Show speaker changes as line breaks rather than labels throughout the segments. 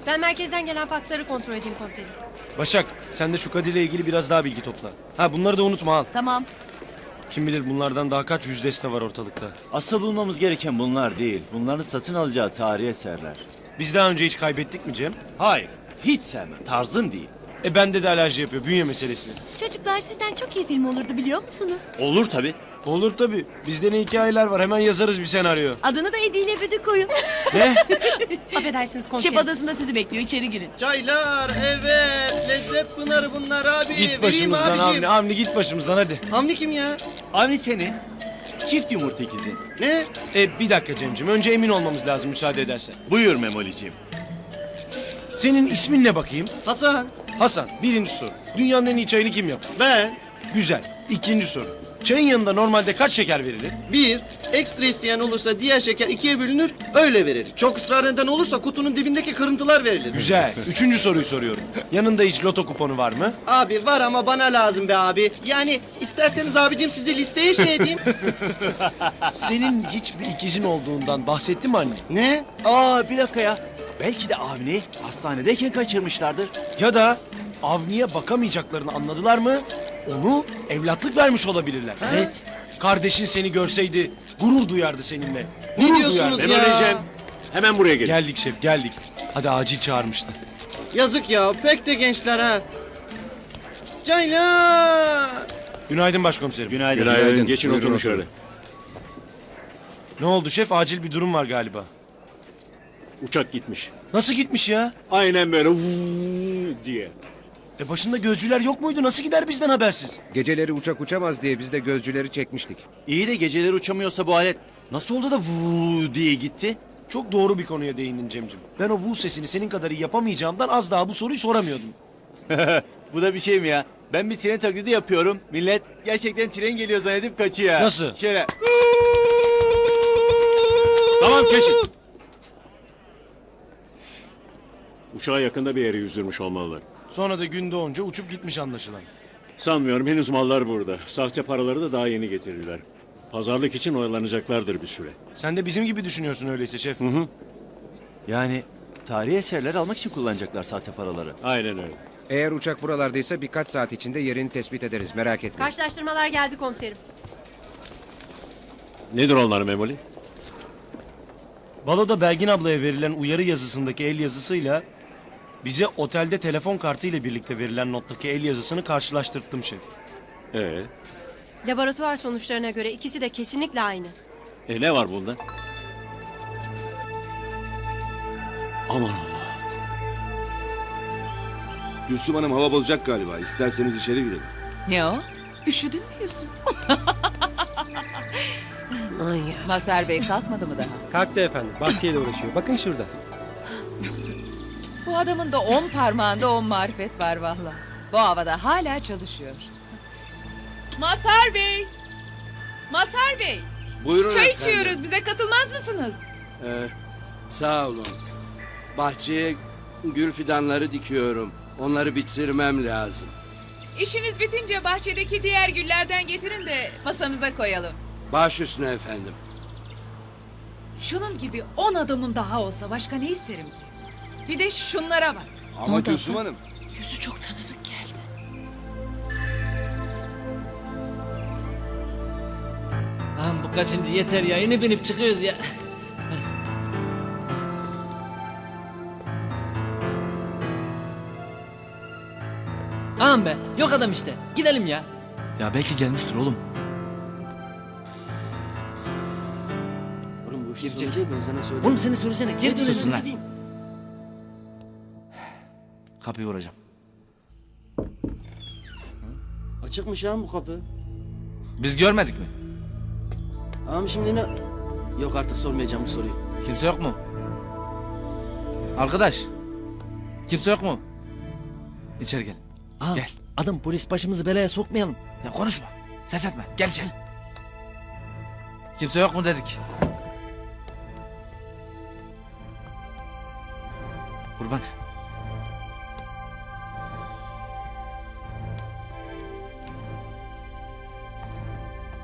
Ben merkezden gelen faksları kontrol edeyim komiserim.
Başak, sen de şu Kadir'le ilgili biraz daha bilgi topla. Ha, bunları da unutma al.
Tamam.
Kim bilir bunlardan daha kaç yüz deste var ortalıkta.
Asıl bulmamız gereken bunlar değil. Bunların satın alacağı tarihi eserler.
Biz daha önce hiç kaybettik mi Cem?
Hayır, hiç sevmem. Tarzım değil.
Bende de alerji yapıyor, bünye meselesi.
Çocuklar sizden çok iyi film olurdu biliyor musunuz?
Olur tabii.
Olur tabii. Bizde ne hikayeler var, hemen yazarız bir senaryo.
Adını da Edi ile Büdü koyun.
Ne?
Affedersiniz komiserim.
Şef odasında sizi bekliyor. İçeri girin.
Çaylar, evet, lezzet pınarı bunlar abi.
Git başımızdan
Vereyim abicim.
Avni git başımızdan hadi.
Avni kim ya?
Avni senin. Çift yumurta ikizi.
Ne?
Bir dakika Cem'ciğim, önce emin olmamız lazım müsaade edersen.
Buyur Memoli'ciğim.
Senin ismin ne bakayım?
Hasan.
Hasan, birinci soru. Dünyanın en iyi çayını kim yapar?
Ben.
Güzel. İkinci soru. Çayın yanında normalde kaç şeker verilir?
Bir, ekstra isteyen olursa diğer şeker ikiye bölünür, öyle verilir. Çok ısrar eden olursa kutunun dibindeki kırıntılar verilir.
Güzel. Üçüncü soruyu soruyorum. Yanında hiç loto kuponu var mı?
Abi var ama bana lazım be abi. Yani isterseniz abicim sizi listeye şey edeyim.
Senin hiçbir ikizin olduğundan bahsetti mi anne?
Ne?
Aa bir dakika ya. Belki de Avni hastanedeyken kaçırmışlardır.
Ya da Avni'ye bakamayacaklarını anladılar mı? Onu evlatlık vermiş olabilirler.
Evet.
Kardeşin seni görseydi gurur duyardı seninle.
Ne
Gurur
diyorsunuz
duyardı.
ya?
Hemen buraya gelin.
Geldik şef geldik. Hadi acil çağırmıştı.
Yazık ya, pek de gençler ha. Çaylar.
Günaydın başkomiserim.
Günaydın.
Günaydın. Geçin
Buyurun,
oturun
oturun.
şöyle.
Ne oldu şef? Acil bir durum var galiba.
Uçak gitmiş.
Nasıl gitmiş ya?
Aynen böyle vuuu diye.
Başında gözcüler yok muydu? Nasıl gider bizden habersiz?
Geceleri uçak uçamaz diye biz de gözcüleri çekmiştik.
İyi de geceleri uçamıyorsa bu alet nasıl oldu da vuu diye gitti?
Çok doğru bir konuya değindin Cem'cim. Ben o vu sesini senin kadar iyi yapamayacağımdan az daha bu soruyu soramıyordum.
Bu da bir şey mi ya? Ben bir tren taklidi yapıyorum. Millet gerçekten tren geliyor zannedip kaçıyor.
Nasıl?
Şöyle.
Tamam kesin. Uçağa yakında bir yere yüzdürmüş olmalılar.
Sonra da gün doğunca uçup gitmiş anlaşılan.
Sanmıyorum, henüz mallar burada. Sahte paraları da daha yeni getirdiler. Pazarlık için oyalanacaklardır bir süre.
Sen de bizim gibi düşünüyorsun öyleyse şef.
Yani tarihi eserler almak için kullanacaklar sahte paraları.
Aynen öyle.
Eğer uçak buralardaysa birkaç saat içinde yerini tespit ederiz, merak etmeyin.
Karşılaştırmalar geldi komiserim.
Nedir onlar Memoli?
Baloda Belgin ablaya verilen uyarı yazısındaki el yazısıyla bize otelde telefon kartı ile birlikte verilen nottaki el yazısını karşılaştırttım şef.
Laboratuvar sonuçlarına göre ikisi de kesinlikle aynı.
Ne var bunda? Aman Allah.
Gülsüm Hanım hava bozacak galiba. İsterseniz içeri girelim.
Ne o? Üşüdün mü Yusuf?
Ay ya.
Mazhar Bey kalkmadı mı daha?
Kalktı efendim. Bahçeyle uğraşıyor. Bakın şurada.
Bu adamın da 10 parmağında 10 marifet var valla. Bu havada hala çalışıyor.
Mazhar Bey! Mazhar Bey!
Buyurun
Çay
efendim.
içiyoruz. Bize katılmaz mısınız?
Sağ olun. Bahçeye gül fidanları dikiyorum. Onları bitirmem lazım.
İşiniz bitince bahçedeki diğer güllerden getirin de masamıza koyalım.
Baş üstüne efendim.
Şunun gibi 10 adamım daha olsa başka ne isterim ki? Bir de şunlara bak.
Ama Gülsüm Hanım.
Yüzü çok tanıdık geldi.
Lan bu kaçıncı yeter ya. Yine binip çıkıyoruz ya. Ağam be. Yok adam işte. Gidelim ya.
Ya belki gelmiştir oğlum.
Oğlum bu işi
Girecek.
soracak, ben sana söyleyeyim.
Oğlum sen de söylesene. Geri dönelim.
Susun lan.
Gideyim.
Kapıyı vuracağım.
Açıkmış ya bu kapı.
Biz görmedik mi?
Ama şimdi ne? Yok artık sormayacağım bu soruyu.
Kimse yok mu? Arkadaş. Kimse yok mu? İçeri gel.
Ağam,
Gel.
adam polis başımızı belaya sokmayalım.
Ya konuşma. Ses etme. Gel içeri. Kimse yok mu dedik. Kurban.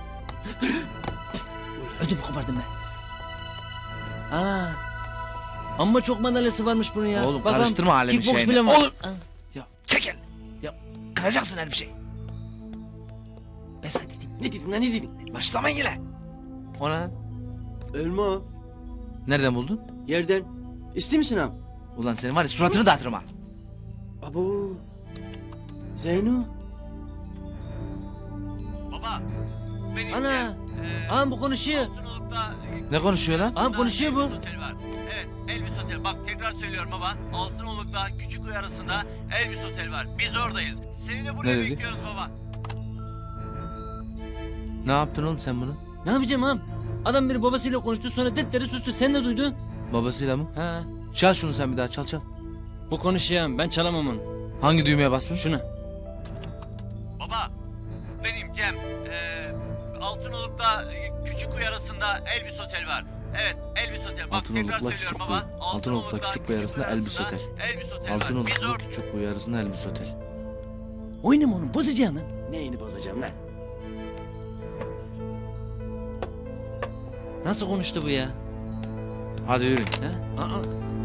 Ödümü kopardım ben. Aa, Amma çok madalyası varmış bunun ya.
Oğlum,
Babam
karıştırma alemin
kickbox
şeyini.
bile var.
Oğlum!
Ha,
Ya çekil. Ya kıracaksın her bir şey.
Ben sana dedim. Ne dedin lan ne dedin?
Başlamayın yine. O ne lan?
Ölme o.
Nereden buldun?
Yerden. İster misin ağam?
Ulan senin var ya suratını dağıtırım ha.
Abo. Zeyno.
Ana. Ağam bu konuşuyor.
Ne konuşuyor lan?
Ağam konuşuyor bu.
Evet, Elvis Otel. Bak tekrar söylüyorum baba. Altınoluk'ta Küçükkuyu arasında Elvis Otel var. Biz oradayız. Seni de buraya
Ne dedi?
bekliyoruz baba.
Ne yaptın oğlum sen bunu?
Ne yapacağım ağam? Adam biri babasıyla konuştu sonra detleri sustu. Sen de duydun.
Babasıyla mı?
Ha.
Çal şunu sen bir daha çal çal.
Bu konuşuyor ben çalamam onu.
Hangi düğmeye bassın?
Şuna.
Baba, benim Cem. Altınoluk'ta Küçükkuyu arasında Elvis Otel var. Evet, Elvis Otel. Bak
Altınoluk'la
tekrar söylüyorum
Küçükkuyu.
baba.
Altınoluk'la Küçükkuyu arasında Elvis Otel.
Elvis Otel var. Biz
Altınoluk'la
orada.
Küçükkuyu arasında Elvis Otel.
Oynama onu bozacağım lan.
Neyini bozacağım lan?
Nasıl konuştu bu ya?
Hadi yürü.
Ha? Aa.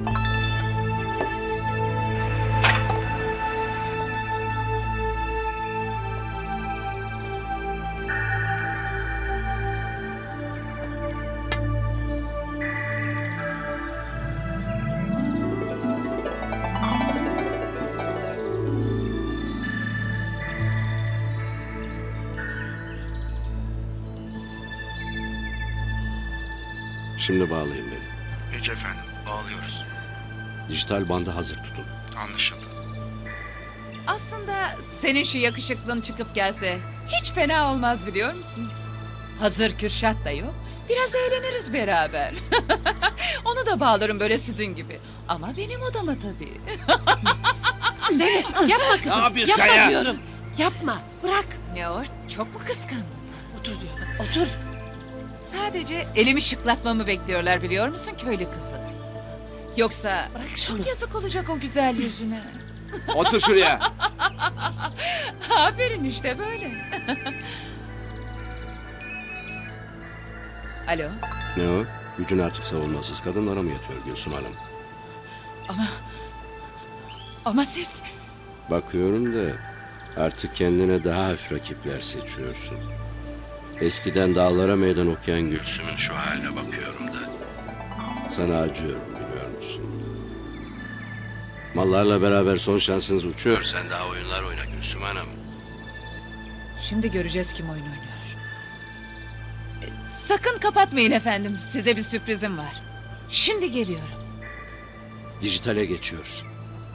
Şimdi bağlayın beni.
Peki efendim, bağlıyoruz.
Dijital bandı hazır tutun.
Anlaşıldı.
Aslında senin şu yakışıklığın çıkıp gelse hiç fena olmaz biliyor musun? Hazır Kürşat da yok. Biraz eğleniriz beraber. Onu da bağlarım böyle sizin gibi. Ama benim odama tabii.
Zeynep yapma kızım.
Ne yapıyorsun
yapma
sen ya?
diyorum. Yapma. Bırak.
Ne o? Çok mu kıskandın?
Otur diyor. Otur.
Sadece elimi şıklatmamı bekliyorlar biliyor musun köylü kızı? Yoksa
Bırak şunu.
çok yazık olacak o güzel yüzüne.
Otur şuraya.
Aferin işte böyle. Alo.
Ne o? Gücün artık savunmasız kadınlara mı yatıyor Gülsüm Hanım?
Ama siz...
Bakıyorum da artık kendine daha hafif rakipler seçiyorsun. Eskiden dağlara meydan okuyan Gülsüm'ün şu haline bakıyorum da. Sana acıyorum biliyor musun? Mallarla beraber son şansınız uçuyor. Sen daha oyunlar oyna Gülsüm Hanım.
Şimdi göreceğiz kim oyun oynuyor. Sakın kapatmayın efendim. Size bir sürprizim var. Şimdi geliyorum.
Dijitale geçiyoruz.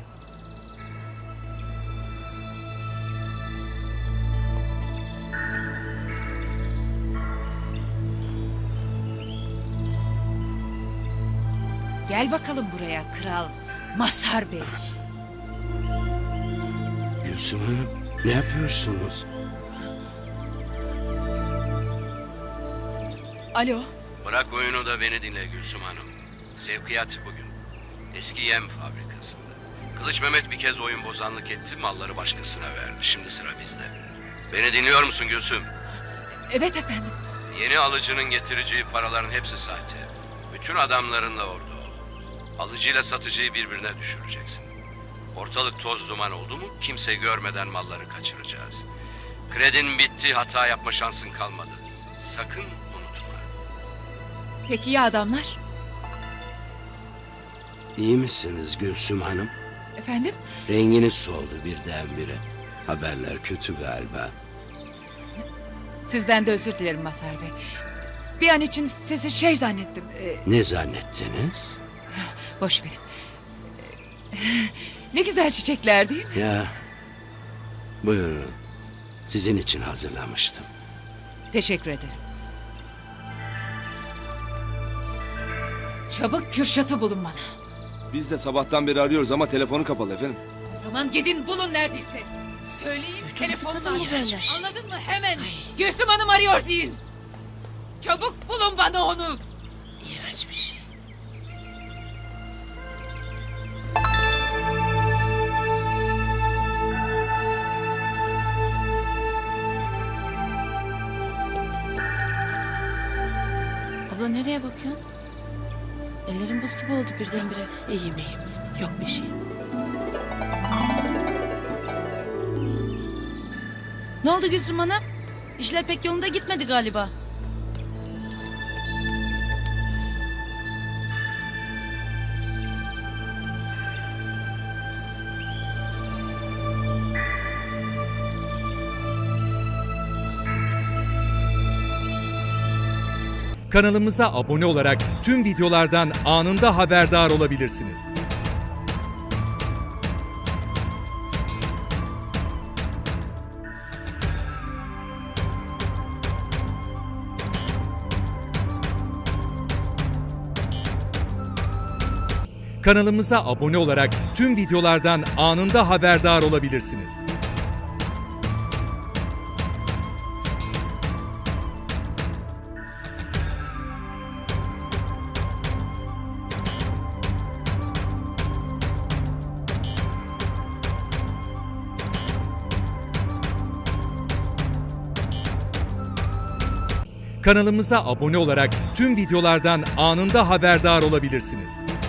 Gel bakalım buraya kral Mazhar Bey.
Gülsüm Hanım ne yapıyorsunuz?
Alo.
Bırak oyunu da beni dinle Gülsüm Hanım. Sevkiyat bugün. Eski yem fabrikasında. Kılıç Mehmet bir kez oyun bozanlık etti, malları başkasına verdi. Şimdi sıra bizde. Beni dinliyor musun Gülsüm?
Evet efendim.
Yeni alıcının getireceği paraların hepsi sahte. Bütün adamlarınla orada ol. Alıcıyla satıcıyı birbirine düşüreceksin. Ortalık toz duman oldu mu kimse görmeden malları kaçıracağız. Kredin bitti, hata yapma şansın kalmadı. Sakın unutma.
Peki ya adamlar?
İyi misiniz Gülsüm Hanım?
Efendim?
Renginiz soldu birdenbire. Haberler kötü galiba.
Sizden de özür dilerim Mazhar Bey. Bir an için sizi şey zannettim.
Ne zannettiniz?
Boş verin. Ne güzel çiçekler değil mi?
Ya, buyurun. Sizin için hazırlamıştım.
Teşekkür ederim. Çabuk Kürşat'ı bulun bana.
Biz de sabahtan beri arıyoruz ama telefonu kapalı efendim.
O zaman gidin bulun neredeyse. Söyleyin telefonla
kadın
aç.
iğrençmiş.
Anladın mı? Hemen. Gülsüm Hanım arıyor deyin. Çabuk bulun bana onu.
İğrenç bir şey. Abla nereye bakıyorsun? Ellerim buz gibi oldu birdenbire. İyiyim. Yok bir şey.
Ne oldu Gülsüm Hanım? İşler pek yolunda gitmedi galiba.
Kanalımıza abone olarak tüm videolardan anında haberdar olabilirsiniz. Kanalımıza abone olarak tüm videolardan anında haberdar olabilirsiniz. Kanalımıza abone olarak tüm videolardan anında haberdar olabilirsiniz.